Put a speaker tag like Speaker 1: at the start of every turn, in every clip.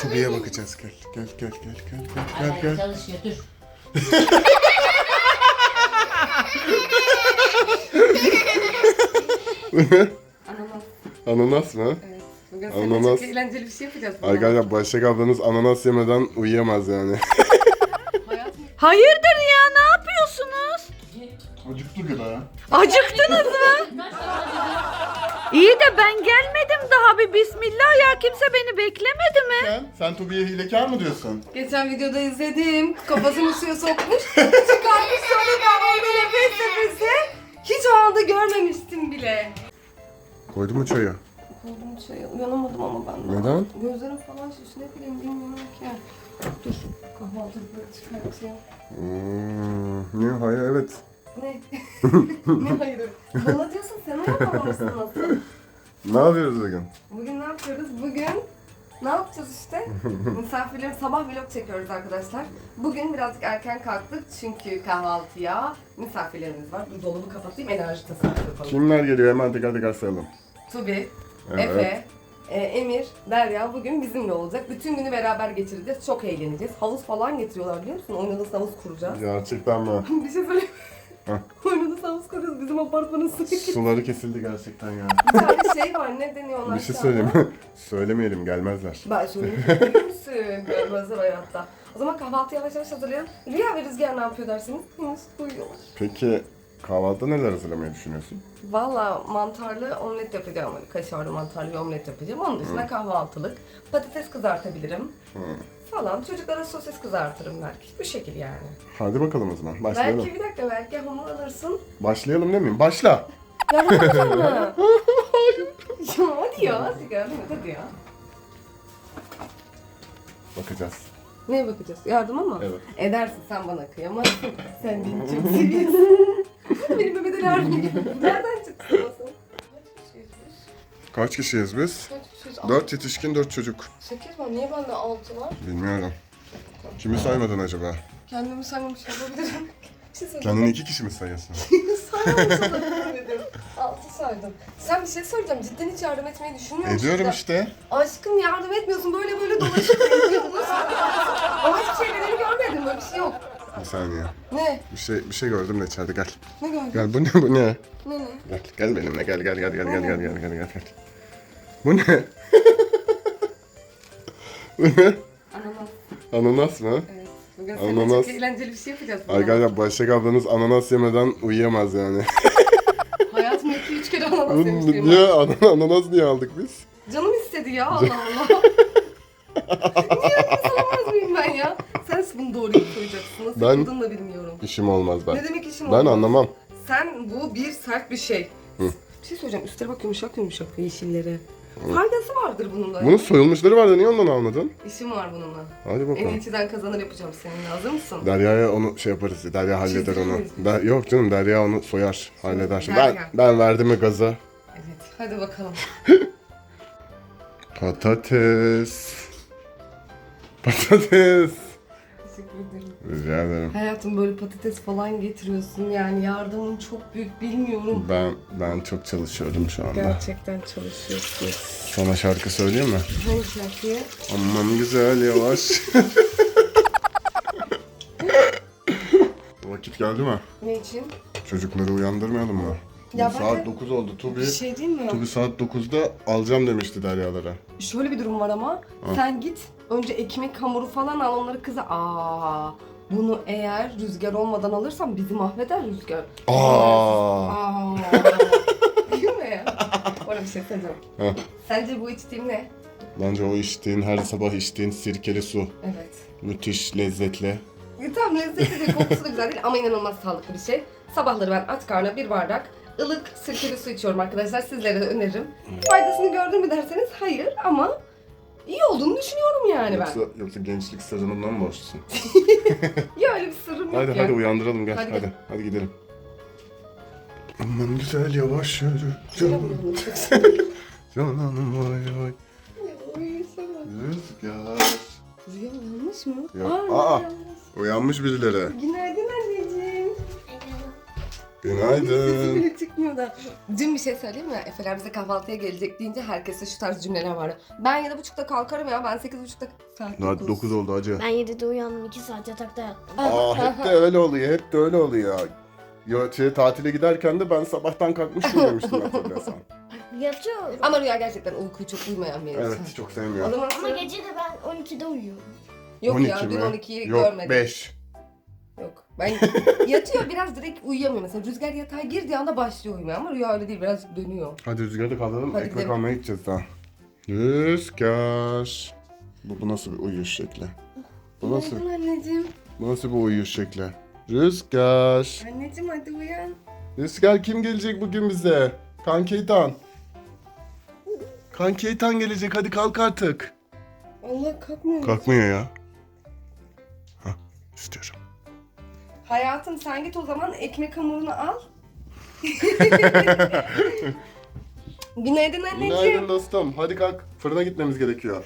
Speaker 1: Tubi'ye bakacağız. Gel.
Speaker 2: Çalışıyor dur.
Speaker 3: Ananas.
Speaker 1: Ananas mı?
Speaker 3: Evet. Bugün seninle
Speaker 1: Ananas.
Speaker 3: çok eğlenceli bir şey yapacağız.
Speaker 1: Arkadaşlar Başak ablanız ananas yemeden uyuyamaz yani.
Speaker 4: Hayırdır ya, ne yapıyorsunuz?
Speaker 1: Acıktık ya.
Speaker 4: Acıktınız mı? İyi de ben gelmedim daha, bir bismillah ya, kimse beni beklemedi mi?
Speaker 1: Sen Tubi'ye hilekar mı diyorsun?
Speaker 3: Geçen videoda izledim. Kafasını suya sokmuş. Çıkarmış sonra kahvaltı nefes nefese. Hiç o anda görmemiştim bile.
Speaker 1: Koydun mu çayı?
Speaker 3: Koydum çayı. Uyanamadım ama ben.
Speaker 1: Neden?
Speaker 3: Gözlerim falan şiş. Ne bileyim bilmiyorum ki. Dur. Kahvaltı çıkartayım.
Speaker 1: Ne? Hayır evet.
Speaker 3: Ne? Ne hayırı? Bana diyorsun, sen uyanamamışsın nasıl?
Speaker 1: Ne yapıyoruz bugün?
Speaker 3: Bugün ne yapıyoruz? Bugün ne yapacağız işte? Misafirlerim, sabah vlog çekiyoruz arkadaşlar. Bugün birazcık erken kalktık çünkü kahvaltıya misafirlerimiz var. Dur dolabı kapatayım, enerji tasarrufu yapalım.
Speaker 1: Kimler geliyor? Hemen teker sayalım.
Speaker 3: Tubi,
Speaker 1: Evet.
Speaker 3: Efe, Emir, Derya bugün bizimle olacak. Bütün günü beraber geçireceğiz. Çok eğleneceğiz. Havuz falan getiriyorlar biliyor musun? Oynadığımız havuz kuracağız.
Speaker 1: Gerçekten mi?
Speaker 3: Bir şey söyleyeyim.
Speaker 1: Heh.
Speaker 3: Oynadığımız havuz kuracağız. Bizim apartmanın suyu.
Speaker 1: Suları kesildi gerçekten ya.
Speaker 3: Bir tane şey var, ne deniyor ona?
Speaker 1: Bir şey söyleyeyim mi? Söylemeyelim, gelmezler.
Speaker 3: Ben söyleyeyim. Biliyor musun? Görmezler hayatta. O zaman kahvaltı yavaş yavaş hazırlayalım. Rüya ve Rüzgar ne yapıyor dersiniz? Henüz uyuyorlar.
Speaker 1: Peki kahvaltıda neler hazırlamayı düşünüyorsun?
Speaker 3: Valla mantarlı omlet yapacağım. Kaşarlı mantarlı bir omlet yapacağım. Onun dışında kahvaltılık. Patates kızartabilirim. Falan. Çocuklara sosis kızartırım belki. Bu şekil yani.
Speaker 1: Hadi bakalım o zaman. Başlayalım.
Speaker 3: Belki bir dakika, belki hamur alırsın.
Speaker 1: Başlayalım değil mi? Başla.
Speaker 3: Yardım mı? Ya hadi ya. Hadi yardım et hadi ya.
Speaker 1: Bakacağız.
Speaker 3: Neye bakacağız? Yardıma mı?
Speaker 1: Evet.
Speaker 3: Edersin, sen bana kıyamazsın. Sen beni çok seviyorsun. Benim Mehmet Ali Erbil. Nereden çıktı sen?
Speaker 1: Kaç kişiyiz biz?
Speaker 3: Kaç kişiyiz?
Speaker 1: 4 yetişkin, 4 çocuk.
Speaker 3: 8 var. Niye bende 6 var?
Speaker 1: Bilmiyorum. Kimi saymadın acaba?
Speaker 3: Kendimi saymamış olabilirim. Bir şey söyleyeceğim.
Speaker 1: Kendini 2 kişi mi sayıyorsun?
Speaker 3: Saymamış olabilirim. 6 saydım. Sen bir şey söyleyeceğim. Cidden hiç yardım etmeyi düşünmüyor musun?
Speaker 1: Ediyorum işte.
Speaker 3: Aşkım yardım etmiyorsun. Böyle böyle dolaşıp yapıyorsunuz. Ama hiçbir şey benim görmedim. Böyle bir şey yok.
Speaker 1: Bir saniye.
Speaker 3: Ne?
Speaker 1: Bir şey gördüm de içeride gel.
Speaker 3: Ne gördün?
Speaker 1: Gel bu ne bu ne?
Speaker 3: Ne?
Speaker 1: Gel benimle gel. Bu ne? Bu ne?
Speaker 3: Ananas.
Speaker 1: Ananas mı?
Speaker 3: Evet. Bugün seninle
Speaker 1: Ananas.
Speaker 3: çok eğlenceli bir şey yapacağız.
Speaker 1: Arkadaşlar Başak ablanız ananas yemeden uyuyamaz yani.
Speaker 3: Hayatımda 2-3 kere ananas yemiştim.
Speaker 1: Niye? Ananas niye aldık biz?
Speaker 3: Canım istedi ya, Allah Allah. Niye ananas alamaz mıyım ben ya? Sen bunu doğruyu koyacaksın. Nasıl
Speaker 1: Ben-
Speaker 3: yapıldığını da bilmiyorum.
Speaker 1: İşim olmaz ben.
Speaker 3: Ne demek işim
Speaker 1: Ben
Speaker 3: olmaz?
Speaker 1: anlamam.
Speaker 3: Sen bu bir sert bir şey.
Speaker 1: Hı.
Speaker 3: Bir şey söyleyeceğim. Üstleri bak yumuşak yumuşak yeşilleri. Faydası vardır bunun da.
Speaker 1: Bunun soyulmuşları vardı, niye ondan almadın?
Speaker 3: İşim var bununla.
Speaker 1: Hadi
Speaker 3: En
Speaker 1: bakalım.
Speaker 3: iyiciden kazanır yapacağım seninle. Hazır mısın?
Speaker 1: Derya'ya onu şey yaparız. Derya halleder
Speaker 3: Çizdirir
Speaker 1: onu.
Speaker 3: miyiz?
Speaker 1: Yok canım, Derya onu soyar, halleder. Şimdi
Speaker 3: Derya.
Speaker 1: ben verdim mi gaza?
Speaker 3: Evet. Hadi bakalım.
Speaker 1: Patates.
Speaker 3: Teşekkür ederim.
Speaker 1: Rica ederim.
Speaker 3: Hayatım böyle patates falan getiriyorsun. Yani yardımın çok büyük, bilmiyorum.
Speaker 1: Ben çok çalışıyorum şu anda.
Speaker 3: Gerçekten çalışıyorsun.
Speaker 1: Sana şarkı söyleyeyim mi?
Speaker 3: Hangi şarkıyı?
Speaker 1: Aman güzel yavaş. Vakit geldi mi?
Speaker 3: Ne için?
Speaker 1: Çocukları uyandırmayalım mı?
Speaker 3: Ya
Speaker 1: Saat
Speaker 3: ben de-
Speaker 1: 9 oldu. Tubi
Speaker 3: Bir şey değil mi?
Speaker 1: saat 9'da alacağım demişti Deryalara.
Speaker 3: Şöyle bir durum var ama. Sen git önce ekmek hamuru falan al, onları kıza. Bunu eğer Rüzgar olmadan alırsam bizi mahveder Rüzgar. Aa. Değil mi? Öyle bir şey söyleyeceğim.
Speaker 1: Heh.
Speaker 3: Sence bu içtiğim ne?
Speaker 1: Bence o içtiğin, her sabah içtiğin sirkeli su.
Speaker 3: Evet.
Speaker 1: Müthiş lezzetli.
Speaker 3: Tam lezzetli değil, kokusu da güzel değil ama inanılmaz sağlıklı bir şey. Sabahları ben aç karnına bir bardak ılık sirkeli su içiyorum arkadaşlar. Sizlere de öneririm. Faydasını gördün mü derseniz hayır ama iyi olduğunu düşünüyorum yani ben.
Speaker 1: Yoksa gençlik sezonundan mı borçlusun?
Speaker 3: Ya öyle bir sırrım yok ya.
Speaker 1: Hadi uyandıralım gel.
Speaker 3: Hadi
Speaker 1: Hadi,
Speaker 3: gel.
Speaker 1: hadi gidelim. Aman güzel yavaş yürü. Canım vay vay. Rüzgar.
Speaker 3: Rüya yanlış mı?
Speaker 1: Yok.
Speaker 3: Aa,
Speaker 1: Aa.
Speaker 3: yanlış.
Speaker 1: Uyanmış birileri.
Speaker 3: Günaydın anneciğim. Sesi
Speaker 1: Günaydın.
Speaker 3: bile çıkmıyor da. Dün bir şey söyleyeyim mi? Efeler bize kahvaltıya gelecek deyince herkese şu tarz cümleler vardı. Ben 7.30'da kalkarım ya, ben 8.30'da... Saat
Speaker 1: Saat 9 oldu hacı.
Speaker 2: Ben 7'de uyandım, 2 saat yatakta yattım.
Speaker 1: Hep de öyle oluyor, hep de öyle oluyor. Tatile giderken de ben sabahtan kalkmıştım demiştim hatırlarsan.
Speaker 2: Yatıyorum.
Speaker 3: Ama Rüya gerçekten uykuyu çok uyumayan bir insan.
Speaker 1: Evet, çok
Speaker 3: O
Speaker 1: sevmiyorum.
Speaker 3: zaman
Speaker 2: Ama gece de ben 12'de uyuyorum.
Speaker 3: yok
Speaker 1: 12
Speaker 3: ya, dün
Speaker 1: mi?
Speaker 3: 12'yi
Speaker 1: Yok,
Speaker 3: görmedim.
Speaker 1: 5.
Speaker 3: Yok. Ben yatıyor biraz, direkt uyuyamıyor mesela. Rüzgar yatağa girdiği anda başlıyor uyumaya ama Rüya öyle değil, birazcık dönüyor.
Speaker 1: Hadi Rüzgar'ı kaldıralım,
Speaker 3: Hadi
Speaker 1: ekmek
Speaker 3: gidelim.
Speaker 1: almaya gideceğiz daha. Rüzgar. Bu nasıl bir uyuş şekli? Bu nasıl,
Speaker 3: Günaydın anneciğim.
Speaker 1: bu nasıl bir uyuş şekli? Rüzgar.
Speaker 3: Anneciğim hadi uyan.
Speaker 1: Rüzgar, kim gelecek bugün bize? Kankeytan. Kankeytan gelecek, hadi kalk artık.
Speaker 3: Allah kalkmıyor.
Speaker 1: Kalkmıyor ya. Hah, istiyorum.
Speaker 3: Hayatım sen git o zaman, ekmek hamurunu al. Günaydın anneciğim.
Speaker 1: Günaydın dostum. Hadi kalk. Fırına gitmemiz gerekiyor.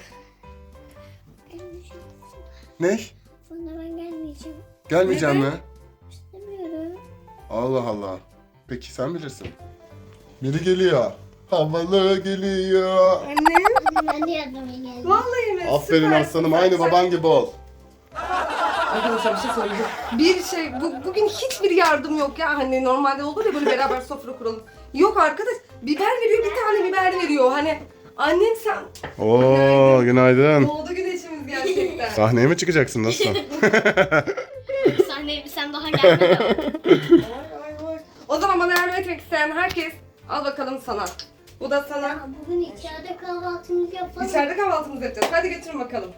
Speaker 1: Ne?
Speaker 2: Sonra ben gelmeyeceğim.
Speaker 1: Gelmeyeceğim mi?
Speaker 2: İstemiyorum.
Speaker 1: Allah Allah. Peki sen bilirsin. Biri geliyor. Havalı geliyor.
Speaker 3: Annem.
Speaker 2: Ben de yardıma geldim.
Speaker 3: Vallahi mi?
Speaker 1: Aferin
Speaker 3: Süpersin.
Speaker 1: aslanım. Aynı baban gibi ol.
Speaker 3: Arkadaşlar bir şey söyleyeceğim. Bir şey, bugün hiçbir yardım yok ya. Hani normalde olur ya böyle beraber sofra kuralım. Yok arkadaş, biber veriyor, bir tane biber veriyor. Hani annem sen...
Speaker 1: Oo, günaydın.
Speaker 3: Doğdu güneşimiz gerçekten.
Speaker 1: Sahneye mi çıkacaksın dostum?
Speaker 2: Sahneye sen daha gelmedin.
Speaker 3: Vay, vay. O zaman bana yardım etmek isteyen herkes, al bakalım sana. Bu da sana.
Speaker 2: Bugün içeride kahvaltımızı yapalım.
Speaker 3: İçeride kahvaltımızı yapacağız. Hadi götürün bakalım.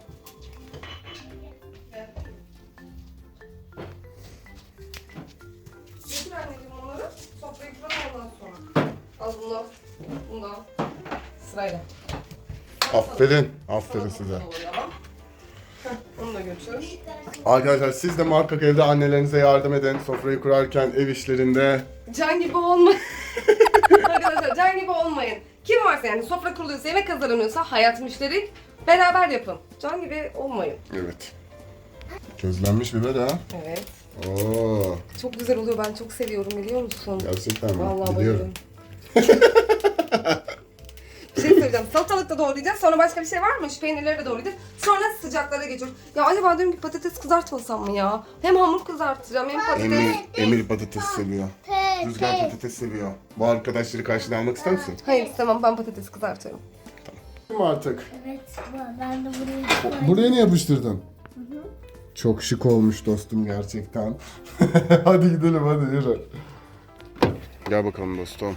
Speaker 3: Götür anneciğim onları. Sofrayı kuralım ondan sonra. Al bunu. Bunu da al. Sırayla.
Speaker 1: Aferin. Aferin size.
Speaker 3: Heh, onu da götür.
Speaker 1: Arkadaşlar siz de muhakkak evde annelerinize yardım edin. Sofrayı kurarken, ev işlerinde.
Speaker 3: Can gibi olmayın. Arkadaşlar can gibi olmayın. Kim varsa yani sofra kuruluyorsa, yemek hazırlanıyorsa, hayat müşterik, beraber yapın. Can gibi olmayın.
Speaker 1: Evet. Közlenmiş biber ha.
Speaker 3: Evet.
Speaker 1: Oo,
Speaker 3: Çok güzel oluyor. Ben çok seviyorum, biliyor musun?
Speaker 1: gerçekten mi?
Speaker 3: Vallahi
Speaker 1: Biliyorum.
Speaker 3: bayılıyorum. Bir şey söyleyeceğim. Salatalık da doğrayacağız. Sonra başka bir şey var mı? Şu peynirleri de doğrayacağız. Sonra sıcaklara geçiyoruz. Ya acaba diyorum ki patates kızartmasam mı ya? Hem hamur kızartacağım hem patates.
Speaker 1: Emir patates seviyor. Rüzgar patates seviyor. Bu arkadaşları karşına almak ister misin?
Speaker 3: Hayır istemem, ben patates kızartıyorum.
Speaker 1: Kim artık?
Speaker 2: Evet, ben de buraya koydum.
Speaker 1: Buraya ne yapıştırdın? Çok şık olmuş dostum gerçekten. Hadi gidelim, hadi yürü. Gel bakalım dostum.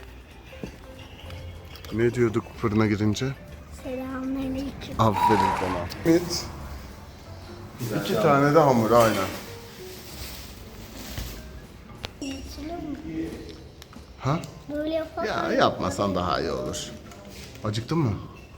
Speaker 1: Ne diyorduk fırına girince?
Speaker 2: Selamünaleyküm.
Speaker 1: Aferin sana. Evet. 2 tane de hamur aynen. Ha?
Speaker 2: Böyle yapalım.
Speaker 1: Ya yapmasan daha iyi olur. Acıktın mı?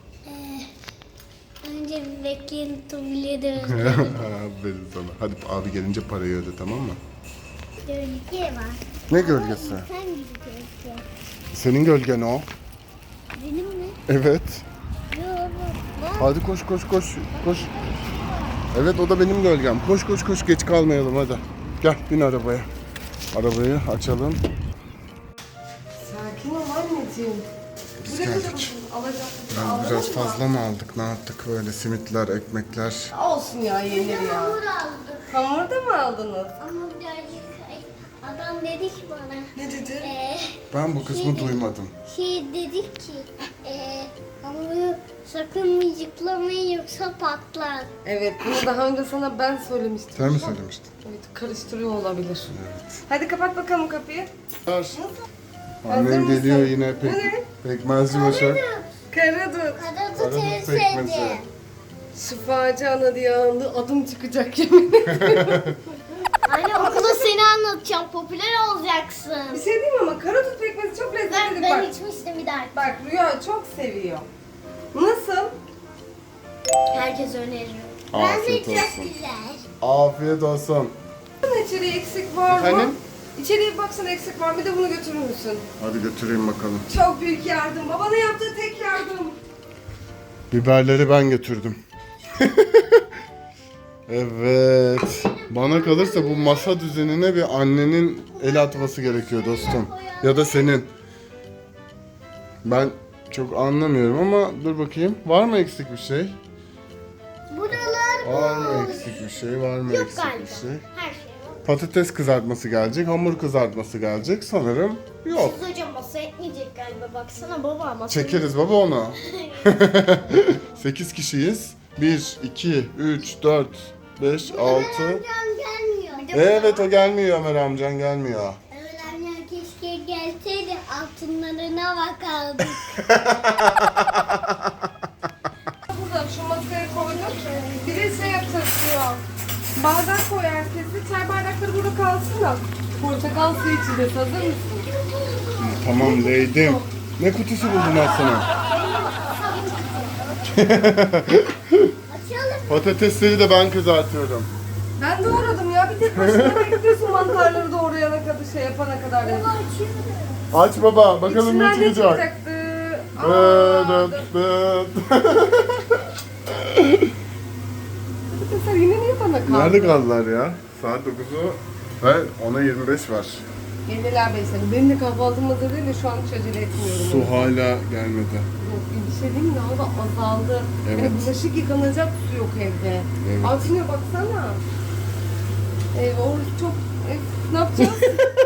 Speaker 2: Önce bir bekleyin, tuvalete
Speaker 1: Aferin sana. Hadi abi gelince parayı öde, tamam mı?
Speaker 2: Gölge var.
Speaker 1: Ne gölgesi?
Speaker 2: Sen gibi gölge.
Speaker 1: Senin gölgen o.
Speaker 2: Benim mi?
Speaker 1: Evet.
Speaker 2: Yok.
Speaker 1: Hadi koş koş koş koş. Evet, o da benim gölgem. Koş koş koş, geç kalmayalım hadi. Gel bin arabaya. Arabayı açalım.
Speaker 3: Sakin ol anneciğim.
Speaker 1: Biz
Speaker 3: Buraya
Speaker 1: geldik.
Speaker 3: koyalım. Alacağım.
Speaker 1: Ben biraz fazla mı aldık? Ne yaptık böyle simitler, ekmekler?
Speaker 3: Olsun ya, yenir ya.
Speaker 2: Hamur aldık.
Speaker 3: Hamur da mı aldınız?
Speaker 2: Ama birazcık adam dedi ki bana.
Speaker 3: Ne dedi?
Speaker 1: Ben bu kısmı duymadım.
Speaker 2: Dedi ki hamuru sakın mıcıklamayın yoksa patlar.
Speaker 3: Evet, bunu daha önce sana ben söylemiştim.
Speaker 1: Sen mi söylemiştin?
Speaker 3: Evet, karıştırıyor olabilir.
Speaker 1: Evet.
Speaker 3: Hadi kapat bakalım kapıyı.
Speaker 1: Hazır
Speaker 3: Hazır
Speaker 1: Annem geliyor
Speaker 3: mısın?
Speaker 1: yine
Speaker 3: Bu ne?
Speaker 1: pekmezci başa.
Speaker 3: Karadut.
Speaker 2: Karadut
Speaker 1: Karadut
Speaker 2: en
Speaker 1: pekmezi.
Speaker 2: sevdiğim.
Speaker 3: Şifacı ana diye andı, adım çıkacak yemin ederim.
Speaker 2: Anne okulda seni anlatacağım. Popüler olacaksın.
Speaker 3: Bir şey diyeyim ama karadut pekmezi çok lezzetli.
Speaker 2: Ben
Speaker 3: Bak,
Speaker 2: içmiştim bir daha.
Speaker 3: bak Rüya çok seviyor. Nasıl?
Speaker 2: Herkes öneriyor.
Speaker 1: Afiyet olsun.
Speaker 2: güzel.
Speaker 1: Afiyet olsun.
Speaker 3: İçeriye eksik var mı?
Speaker 1: Efendim?
Speaker 3: İçeriye bir baksana, eksik var mı? Bir de bunu götürür müsün?
Speaker 1: Hadi götüreyim bakalım.
Speaker 3: Çok büyük yardım. Babana yaptığı tek yardım.
Speaker 1: Biberleri ben götürdüm. Evet. Bana kalırsa bu masa düzenine bir annenin el atması gerekiyor dostum. Ya da senin. Ben çok anlamıyorum ama dur bakayım. Var mı eksik bir şey?
Speaker 2: Buralar
Speaker 1: Var mı eksik bir şey? Var mı
Speaker 2: yok
Speaker 1: eksik
Speaker 2: galiba.
Speaker 1: bir şey?
Speaker 2: Her şey var.
Speaker 1: Patates kızartması gelecek, hamur kızartması gelecek. Sanırım yok.
Speaker 2: Siz hocam masaya etmeyecek galiba. Baksana baba masaya.
Speaker 1: Çekeriz baba onu. 8 kişiyiz. 1, 2, 3, 4, 5, 6.
Speaker 2: Amcam gelmiyor.
Speaker 1: Evet o gelmiyor, Ömer amcan gelmiyor.
Speaker 2: Evet amcam keşke gelseydi altınlarına bakardık.
Speaker 3: Burada şu masaya koyduk. Bir de şey yapacağız diyor. Bardak koy herkese. Çay bardakları burada kalsın da. Portakal suyu içeceğiz. Hazır mısın?
Speaker 1: Tamam Leydim. Ne kutusu buldun aslında?
Speaker 2: Açalım.
Speaker 1: Patatesleri de ben kızartıyorum.
Speaker 3: Ben doğradım ya. Bir tek başına bekliyorsun mantarları doğrayana kadar şey yapana kadar.
Speaker 2: Baba açıyorum.
Speaker 1: Aç baba, bakalım
Speaker 3: İçinden
Speaker 1: ne
Speaker 3: ne
Speaker 1: çıkacak.
Speaker 3: çıkacaktı?
Speaker 1: Dıt dıt.
Speaker 3: Sen yine niye bana kaldın?
Speaker 1: Nerede kaldılar ya? Saat 9'u ve 10'a 25 var.
Speaker 3: Geldiler Beysel'im. Benim de kahvaltım hazır değil de şu an hiç acele etmiyorum.
Speaker 1: Su hala gelmedi.
Speaker 3: Yok, bir şey diyeyim mi? Daha da azaldı.
Speaker 1: Evet.
Speaker 3: Yani bulaşık yıkanacak su yok evde.
Speaker 1: Evet.
Speaker 3: Altına baksana. Orası çok... ne yapacağız?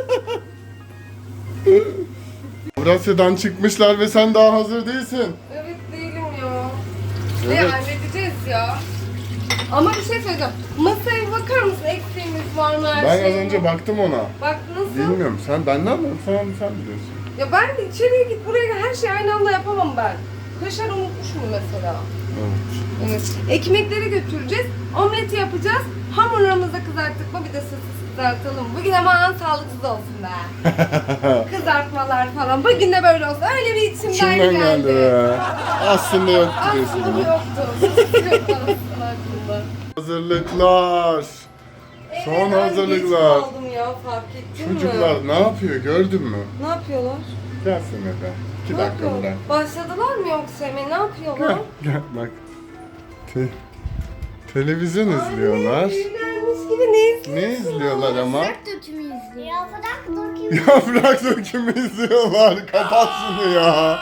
Speaker 1: Avrasya'dan çıkmışlar ve sen daha hazır değilsin.
Speaker 3: Evet değilim ya.
Speaker 1: Evet.
Speaker 3: Ne halledeceğiz ya. Ama bir şey söyleyeceğim. Masaya bakar mısın? Eksiğimiz var mı? Her
Speaker 1: Ben az
Speaker 3: şeyimiz?
Speaker 1: önce baktım ona.
Speaker 3: Bak nasıl?
Speaker 1: Bilmiyorum. Sen ne yapıyorsun? Sen biliyorsun.
Speaker 3: Ya ben de içeriye git buraya gel. Her şeyi aynı anda yapamam ben. Kaşar unutmuşum mesela.
Speaker 1: Evet.
Speaker 3: Evet. Ekmekleri götüreceğiz. Omleti yapacağız. Hamurlarımızı da kızarttık mı bir de sessiz kızartalım. Bugün aman sağlıksız olsun be. Kızartmalar falan. Bugün de böyle olsun. Öyle bir içimden
Speaker 1: İçimden geldi be. Aslında yok diyorsun.
Speaker 3: Aslında bu yoktu. Yoktu aslında aklımda.
Speaker 1: Hazırlıklar. Son
Speaker 3: Evet, ben
Speaker 1: hazırlıklar.
Speaker 3: geç kaldım ya fark ettin mi?
Speaker 1: Çocuklar ne yapıyor gördün mü?
Speaker 3: Ne yapıyorlar?
Speaker 1: Gelsene be. 2
Speaker 3: Ne
Speaker 1: dakika
Speaker 3: yapıyor?
Speaker 1: bırak.
Speaker 3: Başladılar mı yoksa Emre? Ne yapıyorlar?
Speaker 1: Gel bak. Televizyon izliyorlar.
Speaker 3: Büyülermiş gibi ne izliyorlar?
Speaker 1: Ne izliyorlar ama?
Speaker 2: Dökümü izliyor. Yaprak dökümü.
Speaker 1: Yaprak dökümü izliyorlar. Kapat şunu ya.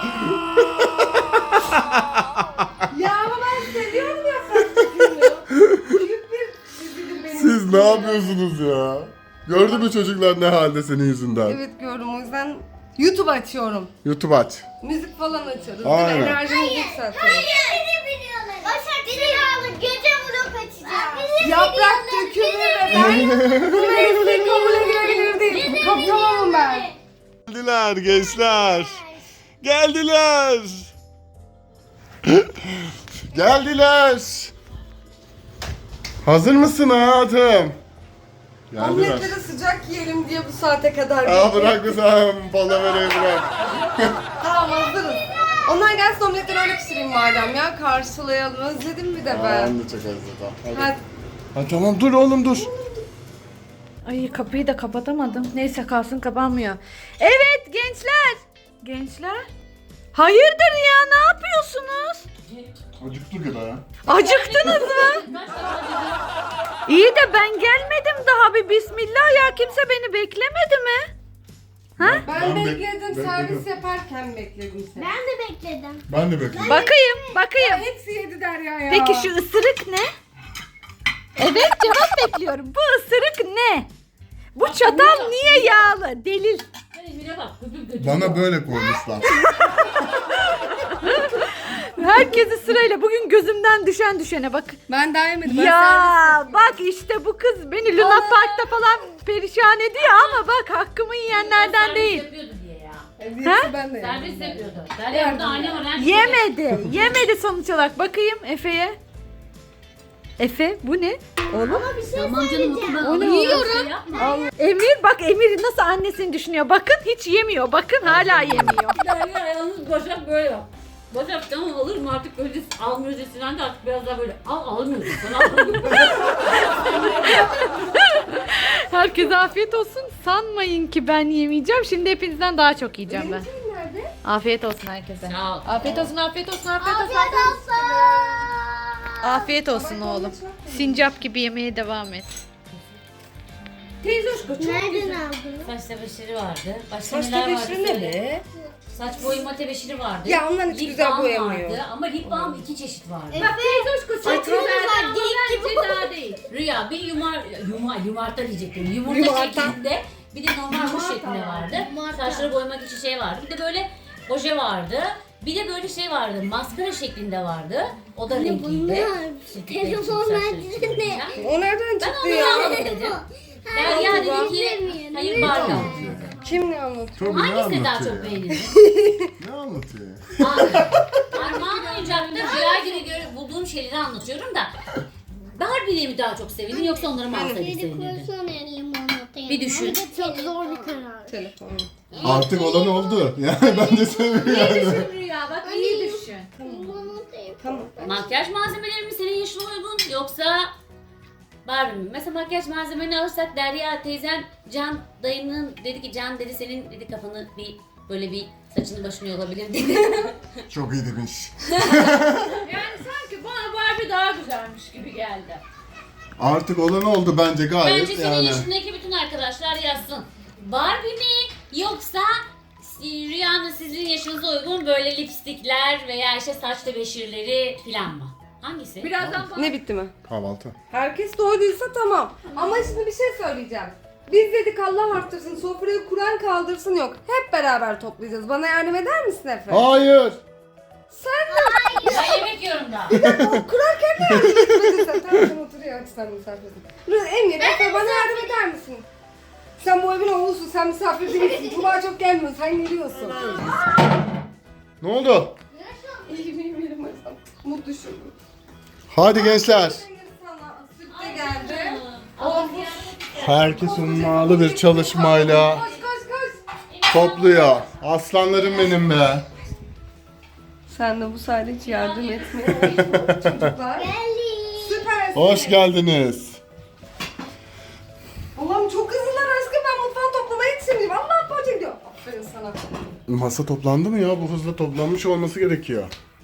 Speaker 3: Ya ama ben seviyorum yaprak dökümünü. Büyük bir dizidir benim
Speaker 1: Siz
Speaker 3: için
Speaker 1: ne
Speaker 3: ya.
Speaker 1: yapıyorsunuz ya? Gördü mü çocuklar ne halde senin yüzünden?
Speaker 3: Evet gördüm o yüzden YouTube açıyorum.
Speaker 1: YouTube aç.
Speaker 3: Müzik falan açarız.
Speaker 1: Aynen.
Speaker 3: Değil mi? Enerjimizi yükseltiyoruz.
Speaker 2: Beni biliyorlar. Başak bizi gece vlog açacağız.
Speaker 3: Yaprak dökümü ve ben bu mesleği kabul edilebilir değil. Kaptamamım ben.
Speaker 1: Geldiler gençler. Geldiler. Geldiler. Hazır mısın hayatım? Geldiler.
Speaker 3: Omletleri sıcak yiyelim diye bu saate kadar
Speaker 1: Aa
Speaker 3: bekledim.
Speaker 1: bırak kızım. Palaverayı bırak.
Speaker 3: Tamam hazırız. Onlar gelsin omletleri öyle pişireyim madem ya. Karşılayalım. Özledim bir de
Speaker 1: Aa,
Speaker 3: ben.
Speaker 1: ben de çok özledim. Hadi.
Speaker 3: Hadi.
Speaker 1: Ha, tamam dur oğlum dur.
Speaker 4: Ay kapıyı da kapatamadım. Neyse kalsın kapanmıyor. Evet gençler. Gençler. Hayırdır ya ne yapıyorsunuz?
Speaker 1: Acıktı gibi ha.
Speaker 4: Acıktınız mı? İyi de ben gelmedim daha bir bismillah ya kimse beni beklemedi mi?
Speaker 3: Ben bekledim. Servis yaparken bekledim seni.
Speaker 2: Ben de bekledim.
Speaker 1: Ben de bekliyorum.
Speaker 4: Bakayım.
Speaker 3: Hepsi yedi Derya ya.
Speaker 4: Peki şu ısırık ne? Evet cevap bekliyorum. Bu ısırık ne? Bu çatal niye yağlı? Delil.
Speaker 1: Bana böyle koymuşlar.
Speaker 4: Herkesi sırayla bugün gözümden düşen düşene bak.
Speaker 3: Ben daha yemedim. Ben
Speaker 4: Ya
Speaker 3: servis
Speaker 4: bak işte bu kız beni Luna Park'ta falan perişan ediyor ama bak hakkımı yiyenlerden değil.
Speaker 5: Yapıyordu diye ya.
Speaker 3: yapıyorum.
Speaker 4: Ha?
Speaker 3: Hepsi ben de
Speaker 5: Servis
Speaker 3: yemedim.
Speaker 5: yapıyordu. Derya burada anne var. her şey
Speaker 4: Yemedi. Yemedi sonuç olarak. Bakayım Efe'ye. Efe bu ne? Oğlum.
Speaker 5: Tamam canım okuldan
Speaker 4: Onu
Speaker 5: alıyor.
Speaker 4: yiyorum.
Speaker 5: Yapma.
Speaker 4: Emir bak Emir nasıl annesini düşünüyor. Bakın hiç yemiyor. Bakın hala yemiyor.
Speaker 5: Derya yalnız Başak böyle yap. Başak tamam alır mı artık öyle almıyoruz eskiden de artık biraz daha böyle almıyorsun sana almıyorsun.
Speaker 4: Herkese afiyet olsun. Sanmayın ki ben yemeyeceğim. Şimdi hepinizden daha çok yiyeceğim ben.
Speaker 3: Benimki nerede?
Speaker 4: Afiyet olsun herkese.
Speaker 5: Sağ ol.
Speaker 4: Afiyet olsun, afiyet olsun, afiyet olsun.
Speaker 2: Afiyet olsun.
Speaker 4: Afiyet olsun oğlum. Sincap gibi yemeye devam et.
Speaker 3: Teyze hoşko çok
Speaker 2: Nereden
Speaker 3: güzel.
Speaker 2: aldın?
Speaker 5: Saç tebeşiri vardı. Başka
Speaker 3: Saç
Speaker 5: neler vardı?
Speaker 3: tebeşiri ne be?
Speaker 5: Saç boyama tebeşiri vardı.
Speaker 3: Ya onların hiç
Speaker 5: Lip
Speaker 3: güzel
Speaker 5: balm
Speaker 3: boyamıyor.
Speaker 5: vardı ama lip balm 2 çeşit vardı.
Speaker 2: Bak teyze hoşko saçımız var. Geyik gibi.
Speaker 5: Daha değil. Rüya bir yumarta diyecektim. Yumurta
Speaker 3: Yumarta.
Speaker 5: şeklinde bir de normal kuş şeklinde vardı. Saçları boyamak için şey vardı. Bir de böyle oje vardı. Bir de böyle şey vardı. Maskara şeklinde vardı. O da renkliydi.
Speaker 2: Telefonlar ne?
Speaker 3: O nereden
Speaker 5: Ben
Speaker 3: çıktı
Speaker 5: onu
Speaker 3: ya?
Speaker 5: aldım dedim. Derya dedi ki hayır Barbie aldım.
Speaker 3: Kim ne anlatıyor?
Speaker 1: Tobi ne
Speaker 5: Hangisini daha
Speaker 1: anlatıyor
Speaker 5: çok
Speaker 1: ya?
Speaker 5: beğendin?
Speaker 1: Ne anlatıyor?
Speaker 5: Armağan oyuncakta Rüya gibi bulduğum şeyleri anlatıyorum da Barbie'yi mi daha çok sevindin yoksa onları mı alsaydık sevindin? Bir düşün.
Speaker 2: Çok zor bir karar.
Speaker 3: Telefonu.
Speaker 1: Artık olan oldu. Yani ben de seviyorum.
Speaker 5: Rüya bak iyi düşün.
Speaker 3: Tamam.
Speaker 5: Makyaj malzemeleri mi senin yaşına uygun yoksa Barbie mi? Mesela makyaj malzemelerini alırsak Derya teyzen Can dayının dedi ki Can dedi senin dedi kafanı bir böyle bir saçını başını yolabilir dedi.
Speaker 1: Çok iyi demiş.
Speaker 4: Yani sanki bana Barbie daha güzelmiş gibi geldi.
Speaker 1: Artık olan oldu bence gayet
Speaker 5: Bence senin
Speaker 1: yani.
Speaker 5: yaşındaki bütün arkadaşlar yazsın. Barbie mi yoksa Rüya'nın sizin yaşınıza uygun böyle lipstikler veya işte saç tebeşirleri falan mı? Hangisi?
Speaker 4: Birazdan
Speaker 3: Ne bitti mi?
Speaker 1: Kahvaltı.
Speaker 3: Herkes doyduysa tamam. Ama şimdi bir şey söyleyeceğim. Biz dedik Allah arttırsın, sofrayı kuran kaldırsın yok. Hep beraber toplayacağız. Bana yardım eder misin Efe?
Speaker 1: Hayır.
Speaker 3: Sen de
Speaker 5: Ben yemek yiyorum da.
Speaker 3: kurarken de yardım etmedin sen. Tamam sen otur ya, sen misafirsin. Emir, Efe bana yardım eder misin? Sen bu evin oğlusun, sen misafir değilsin. Tuğba çok gelmiyor, sen geliyorsun.
Speaker 1: Ne oldu?
Speaker 3: İyi miyim benim hocam? Mutlu şurum.
Speaker 1: Hadi gençler.
Speaker 3: Emir sana süt de geldi. Oğlum
Speaker 1: Herkes ummalı bir çalışmayla
Speaker 3: koş koş koş.
Speaker 1: topluyor. Aslanlarım benim be.
Speaker 3: Sen de bu sayede hiç yardım etmiyor çocuklar. Süpersin.
Speaker 1: Hoş geldiniz.
Speaker 3: Allah'ım çok hızlılar aşkım, ben mutfağı toplamaya yetişemeyeceğim. Allah poğaça gidiyor. Aferin sana.
Speaker 1: Masa toplandı mı ya? Bu hızla toplanmış olması gerekiyor.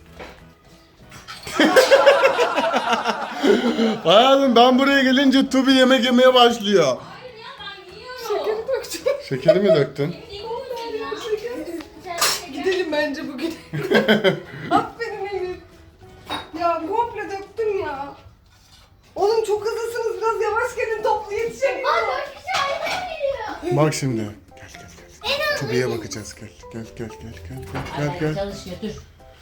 Speaker 1: Hayatım ben buraya gelince Tubi yemek yemeye başlıyor.
Speaker 3: Şekeri dökeceğim.
Speaker 1: Şekeri mi döktün?
Speaker 3: Gidelim bence bugün. Aferin Emir. Ya komple döktüm ya. Oğlum çok hızlısınız, biraz yavaş gelin, toplu yetişemiyorum.
Speaker 1: Bak şimdi. Gel gel gel. Tubi'ye bakacağız. Gel gel gel gel gel gel gel.
Speaker 5: Çalışıyor dur.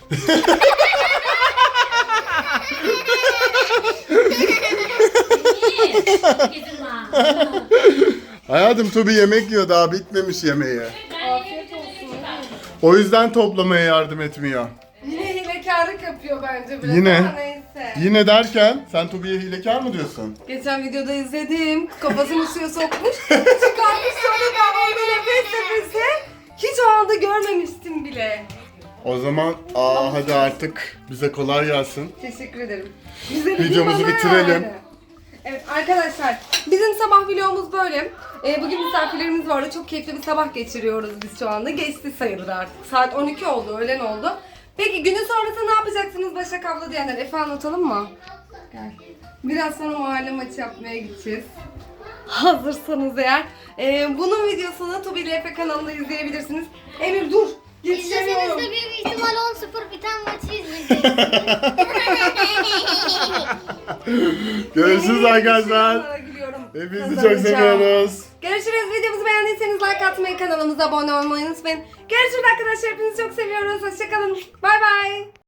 Speaker 1: Hayatım Tubi yemek yiyor, daha bitmemiş yemeği.
Speaker 3: Afiyet olsun.
Speaker 1: O yüzden toplamaya yardım etmiyor.
Speaker 3: Yine hilekarlık yapıyor bence biraz.
Speaker 1: Yine.
Speaker 3: Ama neyse.
Speaker 1: Yine derken sen Tubi'ye hilekar mı diyorsun?
Speaker 3: Geçen videoda izledim. Kafasını suya sokmuş. Çıkarmış sonra ben orada nefes nefese. Hiç o anda görmemiştim bile.
Speaker 1: O zaman hadi artık bize kolay gelsin.
Speaker 3: Teşekkür ederim. Bize de
Speaker 1: Videomuzu
Speaker 3: bir bana
Speaker 1: bitirelim.
Speaker 3: yani. Evet arkadaşlar, bizim sabah vlogumuz böyle. Bugün misafirlerimiz vardı. Çok keyifli bir sabah geçiriyoruz biz şu anda. Geçti sayılır artık. Saat 12 oldu, öğlen oldu. Peki günün sonrası ne yapacaksınız Başak abla diyenler? Efe anlatalım mı? Gel. Biraz sonra mahalle maçı yapmaya gideceğiz. Hazırsanız eğer. Bunun videosunu Tubi ile Efe kanalında izleyebilirsiniz. Emir dur.
Speaker 2: İzleseniz
Speaker 3: Yetişemiyorum.
Speaker 2: de büyük ihtimal 10-0 biten maçı izleyeceksiniz.
Speaker 1: Görüşürüz arkadaşlar.
Speaker 3: Onlara gülüyorum.
Speaker 1: Hepinizi çok
Speaker 3: Kazanacağım.
Speaker 1: seviyoruz.
Speaker 3: Görüşürüz. Videomuzu beğendiyseniz like atmayı, kanalımıza abone olmayı unutmayın. Görüşürüz arkadaşlar. Hepinizi çok seviyoruz. Hoşçakalın. Bay bay.